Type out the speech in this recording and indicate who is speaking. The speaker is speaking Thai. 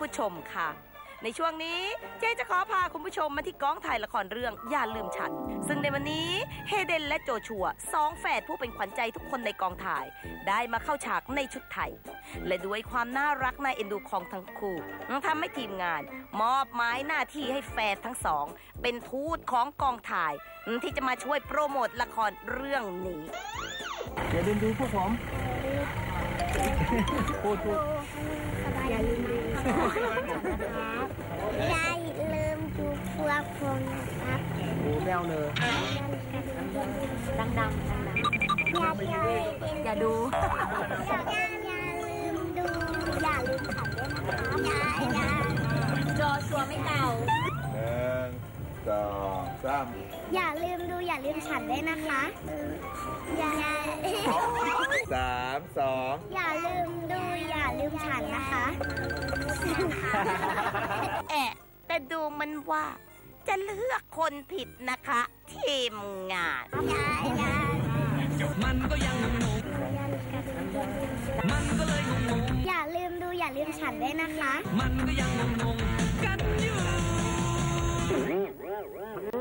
Speaker 1: ผู้ชมค่ะในช่วงนี้เจ๊จะขอพาคุณผู้ชมมาที่กองถ่ายละครเรื่องอย่าลืมฉันซึ่งในวันนี้เฮเดนและโจชัวสองแฝดผู้เป็นขวัญใจทุกคนในกองถ่ายได้มาเข้าฉากในชุดไทยและด้วยความน่ารักน่าเอ็นดูของทั้งคู่ทำให้ทีมงานมอบหมายหน้าที่ให้แฝดทั้งสองเป็นทูตของกองถ่ายที่จะมาช่วยโปรโมทละครเรื่องนี้
Speaker 2: อย่าลืมดูพวกผมพูด
Speaker 3: อย่าลืมดูอย่าลืมดูพวกผมนะครับ
Speaker 2: โอ้แมวเนอ
Speaker 3: ดัง
Speaker 1: อย่าดู
Speaker 3: อย่าลืมดูอย่าลืมขันด้วยนะคะ
Speaker 1: โจชัวไม่เก่า
Speaker 4: 1 2 3
Speaker 3: อย่าลืมดูอย่าลืมฉันด้วยนะคะ
Speaker 4: 3 2
Speaker 3: อย่าลืมดูอย่าลืมฉันนะคะ
Speaker 1: แต่ดูมันว่าจะเลือกคนผิดนะคะทีมงาน
Speaker 5: มันก็ยังงงมันก็เลยงง
Speaker 3: อย่าลืมดูอย่าลืมฉันด้วยนะคะ
Speaker 5: มันก็ยังงงกันอยู่